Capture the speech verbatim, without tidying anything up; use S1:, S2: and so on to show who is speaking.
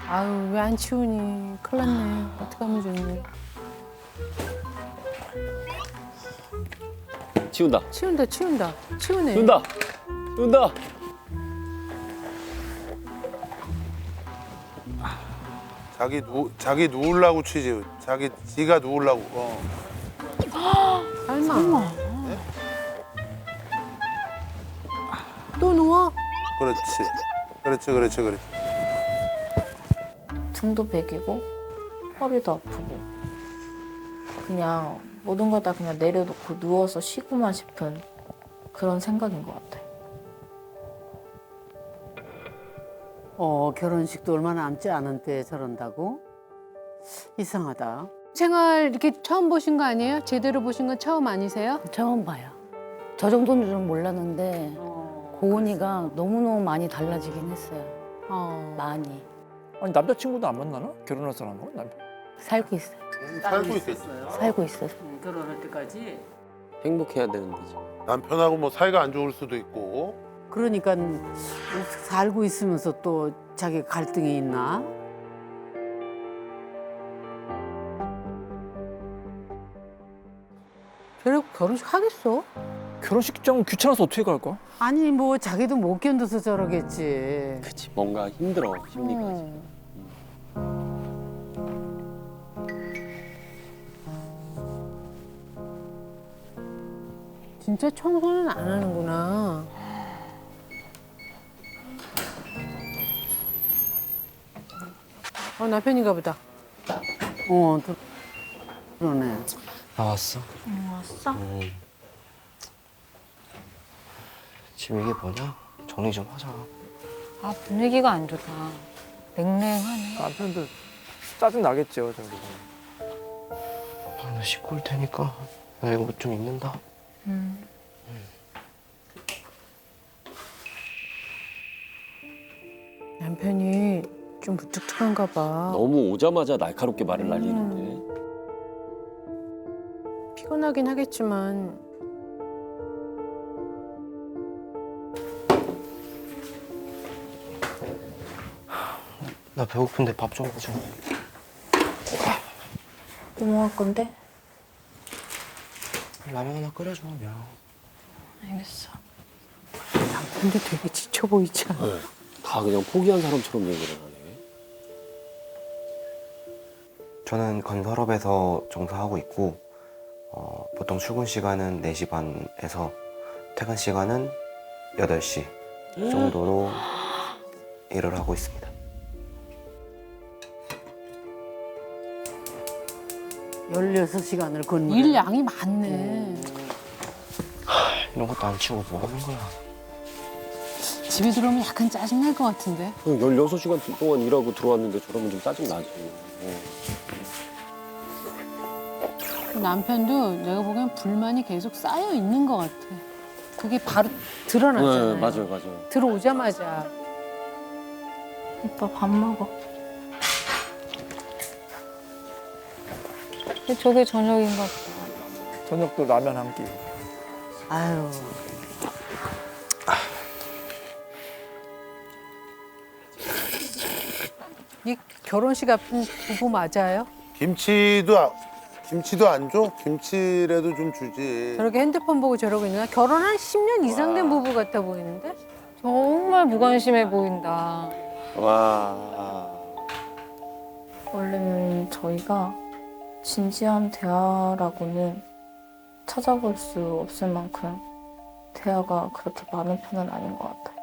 S1: 아유, 왜 안 치우니? 큰일 났네. 어떡하면 좋니?
S2: 치운다.
S1: 치운다, 치운다. 치우네.
S2: 치운다. 치운다.
S3: 자기 누 자기 누우려고 치지. 자기 지가 누우려고. 어.
S1: 설마. 또 누워?
S3: 그렇지. 그렇지, 그렇지, 그렇지.
S4: 등도 베기고 허리도 아프고 그냥 모든 걸 다 그냥 내려놓고 누워서 쉬고만 싶은 그런 생각인 것 같아요.
S5: 어, 결혼식도 얼마 남지 않은데 저런다고? 이상하다.
S1: 생활 이렇게 처음 보신 거 아니에요? 제대로 보신 건 처음 아니세요?
S6: 처음 봐요. 저 정도인 줄은 몰랐는데 고은이가 너무너무 많이 달라지긴 했어요.
S1: 어.
S6: 많이.
S7: 아니 남자친구도 안 만나나? 결혼할 사람하고? 남편.
S6: 살고 있어요.
S3: 살고 있었어요.
S6: 살고 있어요.
S5: 결혼할 때까지?
S2: 행복해야 되는데 지금.
S3: 남편하고 뭐 사이가 안 좋을 수도 있고.
S5: 그러니까 살고 있으면서 또 자기 갈등이 있나?
S1: 결국 결혼식 하겠어?
S7: 결혼식장 귀찮아서 어떻게 갈 거야?
S5: 아니 뭐 자기도 못 견뎌서 저러겠지.
S2: 그치. 뭔가 힘들어 심리가.
S1: 음. 진짜 청소는 안 하는구나. 어, 남편인가 보다.
S5: 어, 또 그러네.
S8: 나왔어?
S4: 응, 왔어?
S8: 음. 지금 이게 뭐냐? 정리 좀 하자.
S9: 아, 분위기가 안 좋다. 냉랭하네.
S7: 남편도 짜증 나겠죠, 저기.
S8: 나 씻고 올 테니까 나 이거 옷 좀 입는다.
S4: 음.
S1: 남편이 좀 무뚝뚝한가 봐.
S2: 너무 오자마자 날카롭게 말을 날리는데.
S1: 피곤하긴 하겠지만
S8: 나 배고픈데 밥 좀 해줘.
S4: 뭐 먹을 건데?
S8: 라면 하나 끓여줘, 명.
S4: 알겠어.
S1: 남편도 되게 지쳐 보이지 않아?
S2: 네. 다 그냥 포기한 사람처럼 얘기를 하네.
S8: 저는 건설업에서 종사하고 있고 어, 보통 출근 시간은 네 시 반에서 퇴근 시간은 여덟 시 정도로 일을 하고 있습니다.
S5: 열여섯 시간을 걷는
S1: 일 양이 많네.
S8: 이런 것도 안 치고 뭐 하는 거야?
S1: 집에 들어오면 약간 짜증날 것 같은데.
S2: 열여섯 시간 동안 일하고 들어왔는데 저러면 좀 짜증나지. 어.
S1: 남편도 내가 보기엔 불만이 계속 쌓여 있는 것 같아. 그게 바로 드러나잖아요.
S2: 네, 맞아요, 맞아요.
S1: 들어오자마자.
S4: 오빠 밥 먹어.
S9: 근데 저게 저녁인가 보다.
S7: 저녁도 라면 한 끼.
S5: 아유,
S1: 이 결혼식 앞둔 부부 맞아요?
S3: 김치도 아- 김치도 안 줘? 김치라도 좀 주지.
S1: 저렇게 핸드폰 보고 저러고 있나? 결혼한 십 년 이상 된 부부 같아 보이는데?
S9: 정말 무관심해 보인다.
S2: 와.
S4: 원래는 저희가 진지한 대화라고는 찾아볼 수 없을 만큼 대화가 그렇게 많은 편은 아닌 것 같아요.